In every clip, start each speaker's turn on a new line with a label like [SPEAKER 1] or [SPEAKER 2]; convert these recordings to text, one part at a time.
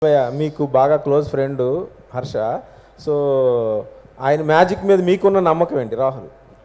[SPEAKER 1] మీకు బాగా close friend Harsha. So ఆయన మ్యాజిక్ మీద మీకున్న నమ్మకం ఏంటి రాహుల్?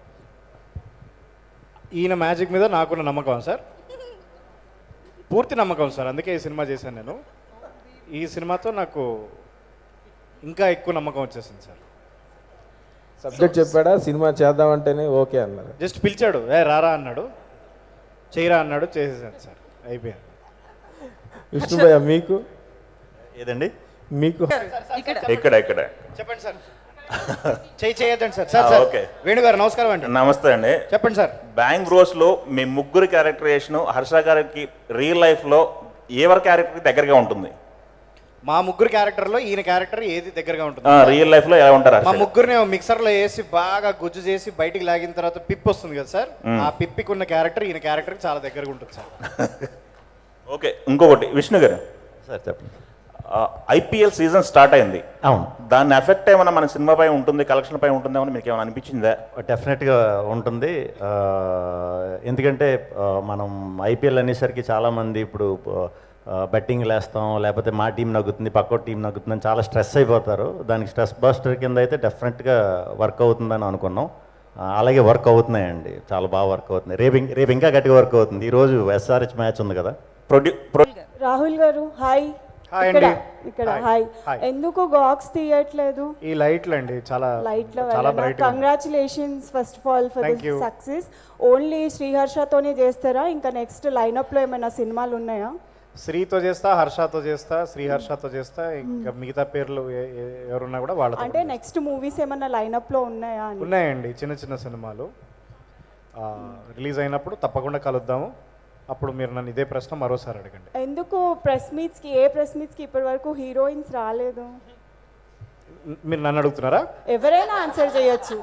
[SPEAKER 2] ఈయన మ్యాజిక్ మీద నాకున్న నమ్మకం సార్, పూర్తి నమ్మకం సార్. అందుకే ఈ సినిమా చేశాను నేను. ఈ సినిమాతో నాకు ఇంకా ఎక్కువ నమ్మకం వచ్చేసింది సార్.
[SPEAKER 1] సబ్జెక్ట్ చెప్పాడా, సినిమా చేద్దామంటేనే ఓకే అన్నారు?
[SPEAKER 2] జస్ట్ పిలిచాడు, రారా అన్నాడు, చేయరా అన్నాడు, చేసేసాను సార్, అయిపోయాను.
[SPEAKER 1] విష్ణుభయ్య మీకు
[SPEAKER 3] ఏదండి?
[SPEAKER 1] మీకు
[SPEAKER 3] ఇక్కడ ఇక్కడ
[SPEAKER 2] చెప్పండి సార్. చేయొద్దండి సార్. Sir okay. వేణుగారు నమస్కారం అండి.
[SPEAKER 3] నమస్తే అండి.
[SPEAKER 2] చెప్పండి సార్.
[SPEAKER 3] బ్యాంగ్ బ్రోస్లో మీ ముగ్గురు క్యారెక్టరేషన్ హర్ష గారికి రియల్ లైఫ్లో ఎవరి క్యారెక్టర్కి దగ్గరగా ఉంటుంది?
[SPEAKER 2] మా ముగ్గురు క్యారెక్టర్లో ఈయన క్యారెక్టర్ ఏది దగ్గరగా ఉంటుంది?
[SPEAKER 3] రియల్ లైఫ్లో ఎలా ఉంటారు?
[SPEAKER 2] మా ముగ్గురిని మిక్సర్లో వేసి బాగా గుజ్జు చేసి బయటికి లాగిన తర్వాత పిప్ వస్తుంది కదా సార్, ఆ పిప్పికి ఉన్న క్యారెక్టర్ ఈయన క్యారెక్టర్కి చాలా దగ్గరగా ఉంటుంది సార్.
[SPEAKER 3] ఓకే. ఇంకొకటి విష్ణు గారు
[SPEAKER 4] సార్ చెప్పండి.
[SPEAKER 3] ఐపీఎల్ సీజన్ స్టార్ట్ అయింది.
[SPEAKER 4] అవును,
[SPEAKER 3] దాని ఎఫెక్ట్ ఏమైనా మన సినిమా పై ఉంటుంది, కలెక్షన్ పై ఉంటుందేమో మీకు ఏమైనా అనిపించిందా?
[SPEAKER 4] డెఫినెట్గా ఉంటుంది. ఎందుకంటే మనం ఐపీఎల్ అనేసరికి చాలామంది ఇప్పుడు బెట్టింగ్ వేస్తాం, లేకపోతే మా టీం నగ్గుతుంది, పక్కో టీం నగ్గుతుందని చాలా స్ట్రెస్ అయిపోతారు. దానికి స్ట్రెస్ బస్టర్ కింద అయితే డెఫినెట్గా వర్క్ అవుతుందని అనుకున్నాం. అలాగే వర్క్ అవుతున్నాయండి, చాలా బాగా వర్క్ అవుతుంది. రేపు ఇంకా గట్టిగా వర్క్ అవుతుంది. ఈరోజు ఎస్ఆర్హెచ్ మ్యాచ్ ఉంది కదా.
[SPEAKER 5] రాహుల్ గారు హాయ్. ఇక్కడ హాయ్. ఎందుకు గాక్స్ తీయట్లేదు?
[SPEAKER 2] ఈ లైట్లు అండి, చాలా
[SPEAKER 5] చాలా bright. Congratulations first of all for the success. Only శ్రీహర్షతోనే చేస్తారా? ఇంకా నెక్స్ట్ లైనప్ లో ఏమైనా సినిమాలు ఉన్నాయా?
[SPEAKER 2] శ్రీతో చేస్తా, హర్షతో చేస్తా, శ్రీహర్షతో చేస్తా, ఇంకా మిగతా పేర్లు ఎవరున్నా కూడా వాళ్ళతో.
[SPEAKER 5] అంటే నెక్స్ట్ మూవీస్ ఏమైనా లైనప్ లో ఉన్నాయా?
[SPEAKER 2] ఉన్నాయండి, చిన్న చిన్న సినిమాలు రిలీజ్ అయినప్పుడు తప్పకుండా కలుద్దాము. అప్పుడు మీరు నన్ను ఇదే ప్రశ్న మరోసారి అడగండి.
[SPEAKER 5] ఎందుకు ప్రెస్ మీట్స్ కి ఇప్పటి వరకు హీరోయిన్స్ రాలేదు?
[SPEAKER 2] మీరు నన్ను అడుగుతున్నారా?
[SPEAKER 5] ఎవరైనా ఆన్సర్ చేయొచ్చు.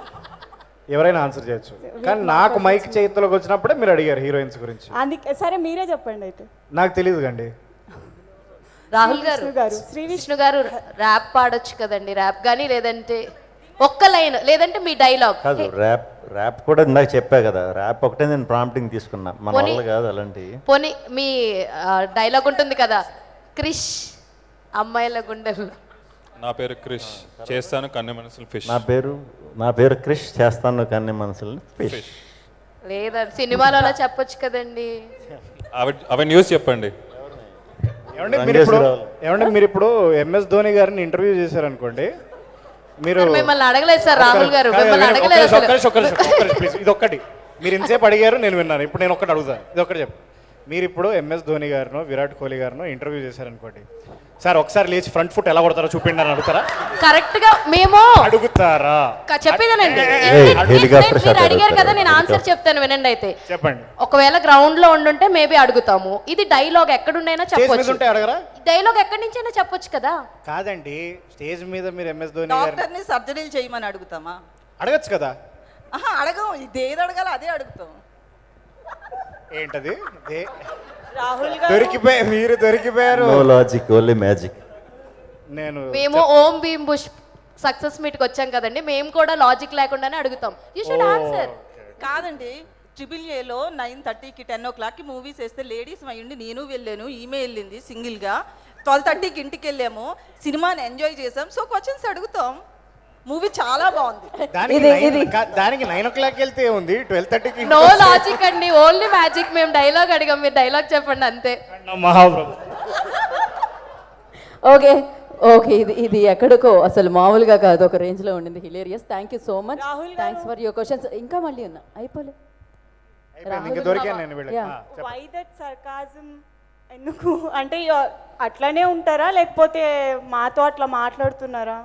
[SPEAKER 2] కానీ నాకు మైక్ చేతిలోకి వచ్చినప్పుడే మీరు అడిగారు హీరోయిన్స్ గురించి.
[SPEAKER 5] అందుకే సరే మీరే చెప్పండి అయితే.
[SPEAKER 2] నాకు తెలియదు కండి.
[SPEAKER 6] రాహుల్ గారు, శ్రీ విష్ణు గారు ర్యాప్ పాడొచ్చు కదండి, ర్యాప్ కానీ లేదంటే ఒక్క లైన్, లేదంటే మీ డైలాగ్.
[SPEAKER 4] కాదు, ర్యాప్ కూడా ఇందాక చెప్పా కదా, ర్యాప్ ఒకటే నేను ప్రాంప్టింగ్ తీసుకున్నా, మన వల్ల కాదు అలాంటి.
[SPEAKER 6] పోనీ మీ డైలాగ్ ఉంటుంది కదా, క్రిష్ అమ్మాయిల గుండెలు.
[SPEAKER 7] నా పేరు క్రిష్, చేస్తాను కన్నె మనసులు ఫిష్.
[SPEAKER 4] నా పేరు క్రిష్, చేస్తాను కన్నె మనసులు ఫిష్.
[SPEAKER 6] లేదా సినిమాలో అలా చెప్పొచ్చు కదండి.
[SPEAKER 7] అవి న్యూస్ చెప్పండి.
[SPEAKER 2] ఏమంటే మీరు ఇప్పుడు ఎంఎస్ ధోని గారిని ఇంటర్వ్యూ చేశారనుకోండి, మీరు
[SPEAKER 6] మిమ్మల్ని అడగలేదు సార్ రాహుల్ గారు, మిమ్మల్ని అడగలేదు.
[SPEAKER 2] ఇది ఒక్కటి మీరు ఇంతసేపు అడిగారు, నేను విన్నాను. ఇప్పుడు నేను ఒక్కటి అడుగుతాను, ఇది ఒక్కటి చెప్పు. మీరు ఇప్పుడు ఎంఎస్ ధోని గారినో విరాట్ కోహ్లీ గారినో ఇంటర్వ్యూ చేశారనుకోండి, సార్ ఒకసారి లేచి ఫ్రంట్ ఫుట్ ఎలా కొడతారో చూపిండి అని అడుగుతారా?
[SPEAKER 6] కరెక్ట్ గా మేము
[SPEAKER 2] అడుగుతారా?
[SPEAKER 6] చెప్పేదానండి. మీరు అడిగారు కదా, నేను ఆన్సర్ చెప్తాను వినండి. అయితే చెప్పండి. ఒకవేళ గ్రౌండ్ లో ఉండుంటే మేబీ అడుగుతాము. ఇది డైలాగ్ ఎక్కడుండైనా చెప్పొచ్చు.
[SPEAKER 2] అడగరా?
[SPEAKER 6] డైలాగ్ ఎక్కడి నుంచైనా చెప్పొచ్చు కదా.
[SPEAKER 2] కాదండి, స్టేజ్ మీద మీరు ఎంఎస్ ధోని
[SPEAKER 8] డాక్టర్ని సర్జరీలు చేయమని అడుగుతామా?
[SPEAKER 2] అడగచ్చు కదా.
[SPEAKER 8] అడగం, ఇదేది అడగాలి అదే అడుగుతాం.
[SPEAKER 2] ఏంటది?
[SPEAKER 5] రాహుల్
[SPEAKER 2] మీరు దొరికిపోయారు.
[SPEAKER 4] No logic, only magic.
[SPEAKER 6] మేము ఓం భీమ్ బుష్ సక్సెస్ మీట్ కి వచ్చాం కదండి, మేము కూడా లాజిక్ లేకుండానే అడుగుతాం. You should answer.
[SPEAKER 8] కాదండి, AAAలో 9:30కి 10 o'clockకి మూవీస్ వేస్తే లేడీస్ అయ్యండి, నేను వెళ్ళాను, ఈమె వెళ్ళింది సింగిల్గా. 12:30కి ఇంటికి వెళ్ళాము, సినిమాని ఎంజాయ్ చేసాం. సో క్వశ్చన్స్ అడుగుతాం. మూవీ చాలా బాగుంది.
[SPEAKER 2] దానికి 9 o'clock వెళ్తే ఉంది, 12:30కి.
[SPEAKER 6] నో లాజిక్ అండి, ఓన్లీ మ్యాజిక్. మేము డైలాగ్ అడిగాం, మీరు డైలాగ్ చెప్పండి అంతే.
[SPEAKER 2] మహాప్రభు.
[SPEAKER 9] ఓకే ఇది ఎక్కడికో అసలు మామూలుగా కాదు, ఒక రేంజ్ లో ఉండింది. Hilarious. Thank you so much. Thanks for your questions. ఇంకా మళ్ళీ ఉన్నా అయిపోలే.
[SPEAKER 5] Why that sarcasm? ఎందుకు అంటే అట్లానే ఉంటారా, లేకపోతే మాతో అట్లా మాట్లాడుతున్నారా?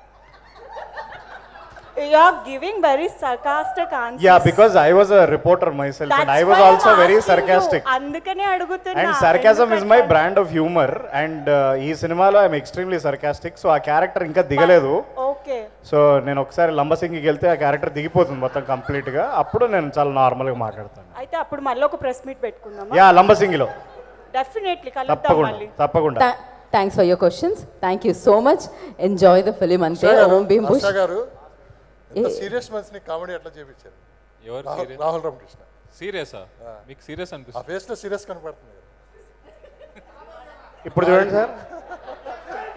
[SPEAKER 5] You are giving very sarcastic answers.
[SPEAKER 2] Yeah, because I was a reporter myself and I was also very sarcastic.
[SPEAKER 5] అందుకనే అడుగుతున్నా.
[SPEAKER 2] And sarcasm is my brand of humor and ఈ సినిమాలో I am extremely sarcastic. So ఆ character ఇంకా దిగలేదు.
[SPEAKER 5] Okay.
[SPEAKER 2] So నేను ఒకసారి లంబసింగికి వెళ్తే ఆ క్యారెక్టర్ దిగిపోతుంది మొత్తం కంప్లీట్ గా. అప్పుడు నేను చాలా నార్మల్ గా మాట్లాడతాను.
[SPEAKER 5] అయితే అప్పుడు మళ్ళీ ఒక ప్రెస్ మీట్ పెట్టుకుందామా?
[SPEAKER 2] యా, లంబసింగిలో
[SPEAKER 5] డెఫినెట్లీ కలుద్దాం మళ్ళీ.
[SPEAKER 2] తప్పకుండా.
[SPEAKER 9] Thanks for your questions. Thank you so much. Enjoy the film. అంటే ఓం భీమ్ బుష్
[SPEAKER 10] సీరియస్ మనిషిని కామెడీ ఎట్లా చేయించారు?
[SPEAKER 7] ఎవరు?
[SPEAKER 10] రాహుల్ రామకృష్ణ.
[SPEAKER 7] సీరియసా? మీకు సీరియస్ అనిపిస్తుంది?
[SPEAKER 10] ఆ ఫేస్ లో సీరియస్ కనపడుతుంది.
[SPEAKER 2] ఇప్పుడు చూడండి సార్.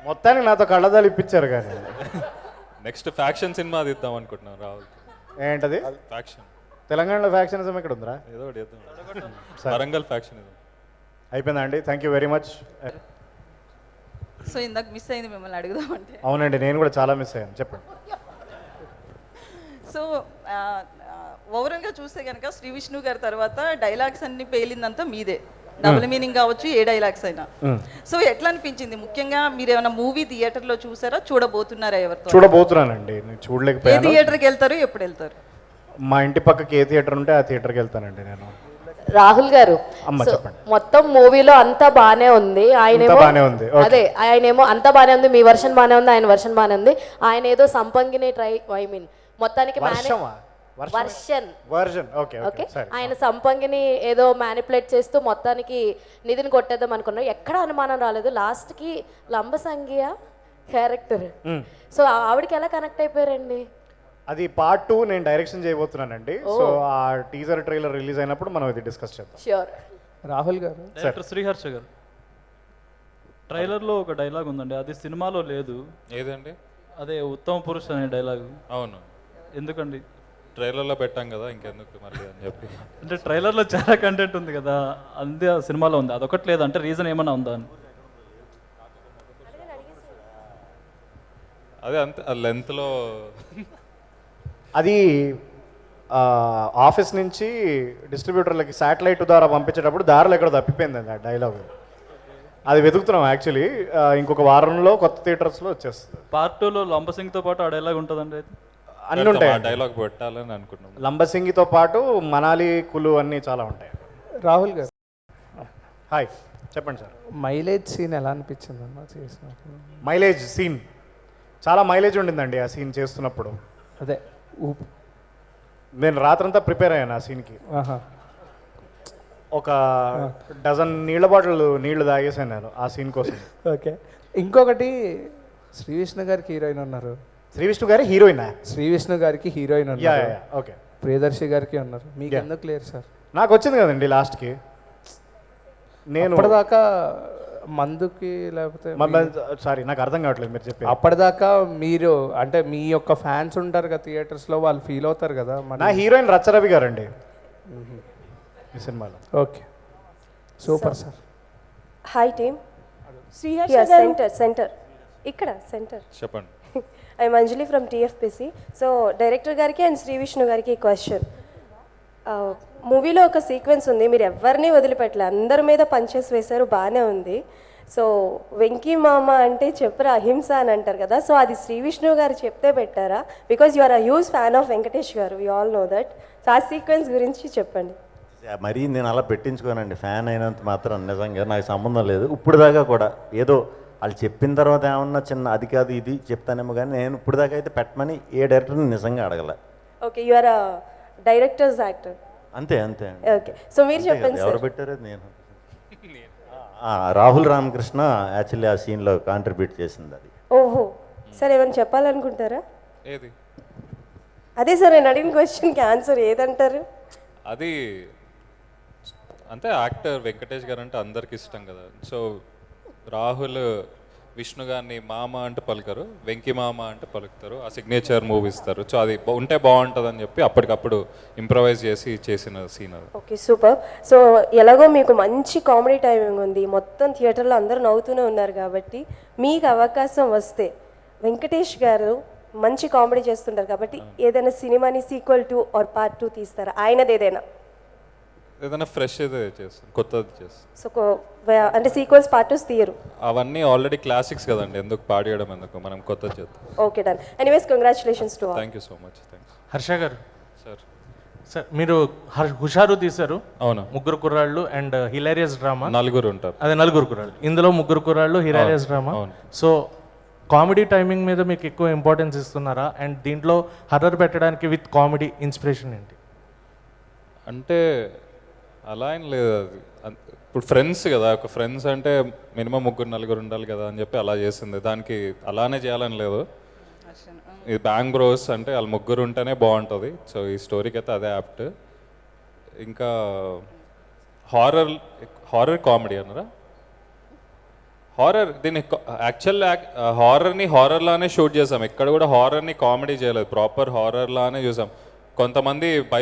[SPEAKER 2] మొత్తానికి నాతో కళ్ళదాలు ఇప్పించారు కానీ
[SPEAKER 7] నెక్స్ట్ ఫ్యాక్షన్ సినిమా తీద్దాం అనుకుంటున్నాం రాహుల్.
[SPEAKER 2] ఏంటది?
[SPEAKER 7] ఫ్యాక్షన్.
[SPEAKER 2] తెలంగాణలో ఫ్యాక్షనిజం ఇక్కడ ఉందిరా?
[SPEAKER 7] ఏదో ఒకటి చేద్దాం. వరంగల్ ఫ్యాక్షన్ ఇది.
[SPEAKER 2] అయిపోయిందా అండి? Thank you very much.
[SPEAKER 8] So ఇందాక మిస్ అయింది మిమ్మల్ని అడుగుదామంటే.
[SPEAKER 2] అవునండి, నేను కూడా చాలా మిస్ అయ్యాను. చెప్పండి.
[SPEAKER 8] సో ఓవరాల్గా చూస్తే కనుక శ్రీ విష్ణు గారి తర్వాత డైలాగ్స్ అన్ని పేలిందంతా మీదే. డబుల్ మీనింగ్ కావచ్చు, ఏ డైలాగ్స్ అయినా. సో ఎట్లా అనిపించింది? ముఖ్యంగా మీరు ఏమైనా మూవీ థియేటర్లో చూసారా, చూడబోతున్నారా? ఎవరితో?
[SPEAKER 2] చూడబోతున్నానండి. నేను
[SPEAKER 8] ఏ
[SPEAKER 2] చూడలేకపోయాను.
[SPEAKER 8] థియేటర్కి వెళ్తారు, ఎప్పుడు వెళ్తారు?
[SPEAKER 2] మా ఇంటి పక్కకి ఏ థియేటర్ ఉంటే ఆ థియేటర్కి వెళ్తానండి నేను.
[SPEAKER 6] రాహుల్ గారు,
[SPEAKER 2] అమ్మ
[SPEAKER 6] సో
[SPEAKER 2] చెప్పండి.
[SPEAKER 6] మొత్తం మూవీలో అంతా బానే ఉంది. ఆయనేమో
[SPEAKER 2] బానే ఉంది. Okay.
[SPEAKER 6] అదే ఆయనేమో అంతా బానే ఉంది, మీ వర్షన్ బానే ఉంది, ఆయన వర్షన్ బానే ఉంది. ఆయన ఏదో సంపంగిని మొత్తానికి
[SPEAKER 2] వర్షన్
[SPEAKER 6] ఓకే, ఆయన సంపంగిని ఏదో మ్యానిపులేట్ చేస్తూ మొత్తానికి నిధిని కొట్టేద్దాం అనుకున్నారు. ఎక్కడ అనుమానం రాలేదు. లాస్ట్ కి లంబసంగియ క్యారెక్టర్, సో ఆవిడకి ఎలా కనెక్ట్ అయిపోయారండి?
[SPEAKER 2] అది పార్ట్ 2 నేను డైరెక్షన్ చేయబోతున్నానండి. సో ఆ టీజర్ ట్రైలర్ రిలీజ్ అయినప్పుడు మనం ఇది డిస్కస్ చేద్దాం.
[SPEAKER 6] ష్యూర్.
[SPEAKER 1] రాహుల్ గారు,
[SPEAKER 11] డైరెక్టర్ శ్రీహర్ష గారు, ట్రైలర్లో ఒక డైలాగ్ ఉందండి, అది సినిమాలో లేదు.
[SPEAKER 7] ఏదండి?
[SPEAKER 11] అదే ఉత్తమ పురుష్ అనే డైలాగ్.
[SPEAKER 7] అవును,
[SPEAKER 11] ఎందుకండి?
[SPEAKER 7] ట్రైలర్లో పెట్టాం కదా, ఇంకెందుకు మళ్ళీ అని చెప్పి.
[SPEAKER 11] అంటే ట్రైలర్లో చాలా కంటెంట్ ఉంది కదా, అంతే సినిమాలో ఉంది, అదొకటి లేదు. అంటే రీజన్ ఏమైనా ఉందా అని?
[SPEAKER 7] అదే అంతే, ఆ లెంత్లో
[SPEAKER 2] అది ఆఫీస్ నుంచి డిస్ట్రిబ్యూటర్లకి శాటిలైట్ ద్వారా పంపించేటప్పుడు దారిలో ఎక్కడ తప్పిపోయిందండి ఆ డైలాగ్. అది వెతుకుతున్నాం యాక్చువల్లీ. ఇంకొక వారంలో కొత్త థియేటర్స్లో వచ్చేస్తుంది.
[SPEAKER 11] పార్ట్ 2లో లంబసింగ్తో పాటు ఆ డైలాగ్ ఉంటుందండి. అయితే
[SPEAKER 2] అన్నీ ఉంటాయి.
[SPEAKER 7] డైలాగ్ పెట్టాలని అనుకుంటున్నాం.
[SPEAKER 2] లంబసింగితో పాటు మనాలి, కులు అన్నీ చాలా ఉంటాయి.
[SPEAKER 1] రాహుల్ గారు,
[SPEAKER 2] హాయ్ చెప్పండి సార్.
[SPEAKER 1] మైలేజ్ సీన్ ఎలా అనిపించింది అన్న చేసినప్పుడు?
[SPEAKER 2] మైలేజ్ సీన్ చాలా మైలేజ్ ఉండిందండి ఆ సీన్ చేస్తున్నప్పుడు.
[SPEAKER 1] అదే
[SPEAKER 2] నేను రాత్రంతా ప్రిపేర్ అయ్యాను ఆ సీన్కి. ఒక డజన్ నీళ్ళ బాటిల్ నీళ్లు తాగేసాను నేను ఆ సీన్ కోసం.
[SPEAKER 1] ఓకే, ఇంకొకటి శ్రీ విష్ణు గారికి హీరోయిన్ ఉన్నారు.
[SPEAKER 2] శ్రీ విష్ణు గారి హీరోయినా?
[SPEAKER 1] శ్రీ విష్ణు గారికి హీరోయిన్ ఉన్నారు.
[SPEAKER 2] ఓకే.
[SPEAKER 1] ప్రియదర్శి గారికి ఉన్నారు. మీకు ఎందుకు లేరు సార్?
[SPEAKER 2] నాకు వచ్చింది కదండి లాస్ట్కి. నేను
[SPEAKER 1] అప్పటిదాకా మందుకి లేకపోతే
[SPEAKER 2] సారీ నాకు అర్థం కావట్లేదు మీరు చెప్పి.
[SPEAKER 1] అప్పటిదాకా మీరు అంటే మీ యొక్క ఫ్యాన్స్ ఉంటారు కదా థియేటర్స్లో, వాళ్ళు ఫీల్ అవుతారు కదా.
[SPEAKER 2] నా హీరోయిన్ రచ్చరవి గారండి ఈ సినిమాలో.
[SPEAKER 1] Okay, super sir.
[SPEAKER 12] Hi team. Center ఇక్కడ సెంటర్.
[SPEAKER 7] చెప్పండి.
[SPEAKER 12] I'm Anjali from TFPC. So director గారికి అండ్ శ్రీ విష్ణు గారికి క్వశ్చన్. మూవీలో ఒక సీక్వెన్స్ ఉంది, మీరు ఎవరిని వదిలిపెట్టలే, అందరి మీద పంచెస్ వేశారు, బాగానే ఉంది. సో వెంకీ మామ అంటే చెప్పరా అహింస అని అంటారు కదా, సో అది శ్రీ విష్ణు గారు చెప్తే పెట్టారా? Because you are a huge fan of Venkatesh గారు, we all know that. So ఆ సీక్వెన్స్ గురించి చెప్పండి.
[SPEAKER 4] మరీ నేను అలా పెట్టించుకోనండి, ఫ్యాన్ అయినంత మాత్రం నిజంగా నాకు సంబంధం లేదు. ఇప్పుడు దాకా కూడా ఏదో వాళ్ళు చెప్పిన తర్వాత ఏమన్నా చిన్న అది కాదు ఇది చెప్తానేమో, కానీ నేను ఇప్పుడు దాకా అయితే పెట్టమని ఏ డైరెక్టర్ని నిజంగా అడగల.
[SPEAKER 12] Okay, you are a director's actor.
[SPEAKER 4] అంతే అంతే.
[SPEAKER 12] ఓకే, సో మీరు చెప్పండి.
[SPEAKER 4] ఎవరు పెట్టారు? నేను రాహుల్ రామకృష్ణ యాక్చువల్లీ ఆ సీన్లో కాంట్రిబ్యూట్ చేసింది అది.
[SPEAKER 12] ఓహో, సార్ ఏమైనా చెప్పాలనుకుంటారా?
[SPEAKER 7] ఏది?
[SPEAKER 12] అదే సార్ నేను అడిగిన క్వశ్చన్కి ఆన్సర్ ఏదంటారు?
[SPEAKER 7] అది అంతే, యాక్టర్ వెంకటేష్ గారు అంటే అందరికి ఇష్టం కదా. సో రాహుల్ విష్ణు గారిని మామ అంటే పలుకరు, వెంకీ మామ అంటే పలుకుతారు, ఆ సిగ్నేచర్ మూవ్ ఇస్తారు. సో అది ఉంటే బాగుంటుంది అని చెప్పి అప్పటికప్పుడు ఇంప్రవైజ్ చేసి చేసిన సీన్ అది.
[SPEAKER 12] Okay, super. సో ఎలాగో మీకు మంచి కామెడీ టైమింగ్ ఉంది, మొత్తం థియేటర్లో అందరూ నవ్వుతూనే ఉన్నారు కాబట్టి మీకు అవకాశం వస్తే వెంకటేష్ గారు మంచి కామెడీ చేస్తుంటారు కాబట్టి ఏదైనా సినిమాని సీక్వెల్ 2 ఆర్ పార్ట్ 2 తీస్తారా? ఆయనది
[SPEAKER 7] ఏదైనా ఫ్రెష్ అయితే చేస్తాం, కొత్తది చేస్తాం.
[SPEAKER 12] సో అంటే సీక్వెల్స్ పార్ట్ 2 తీయరు?
[SPEAKER 7] అవన్నీ ఆల్రెడీ క్లాసిక్స్ కదండి, ఎందుకు పాడేయడం, ఎందుకు మనం కొత్తది చేద్దాం.
[SPEAKER 12] Okay, done. Anyways congratulations to all.
[SPEAKER 7] Thank you so much. Thanks.
[SPEAKER 13] Harsha గారు
[SPEAKER 7] సార్,
[SPEAKER 13] సార్ మీరు హుషారు తీశారు.
[SPEAKER 7] అవును,
[SPEAKER 13] ముగ్గురు కుర్రాళ్ళు అండ్ హిలారియస్ డ్రామా.
[SPEAKER 7] నలుగురు ఉంటారు.
[SPEAKER 13] అదే నలుగురు కుర్రాళ్ళు, ఇందులో ముగ్గురు కుర్రాళ్ళు hilarious drama. So comedy timing మీద మీకు ఎక్కువ ఇంపార్టెన్స్ ఇస్తున్నారా? అండ్ దీంట్లో హర్రర్ పెట్టడానికి విత్ కామెడీ ఇన్స్పిరేషన్ ఏంటి?
[SPEAKER 7] అంటే అలా ఏం లేదు, అది ఇప్పుడు ఫ్రెండ్స్ కదా, ఒక ఫ్రెండ్స్ అంటే మినిమం ముగ్గురు నలుగురు ఉండాలి కదా అని చెప్పి అలా చేసింది. దానికి అలానే చేయాలని లేదు. ఇది బ్యాంగ్ బ్రోస్ అంటే వాళ్ళు ముగ్గురు ఉంటేనే బాగుంటుంది. సో ఈ స్టోరీకి అయితే అదే యాప్ట్. ఇంకా హారర్ కామెడీ అన్నారా? హారర్ దీన్ని యాక్చువల్ హారర్ని హారర్లానే షూట్ చేసాం, ఎక్కడ కూడా హారర్ని కామెడీ చేయలేదు, ప్రాపర్ హారర్లానే చూసాం. కొంతమంది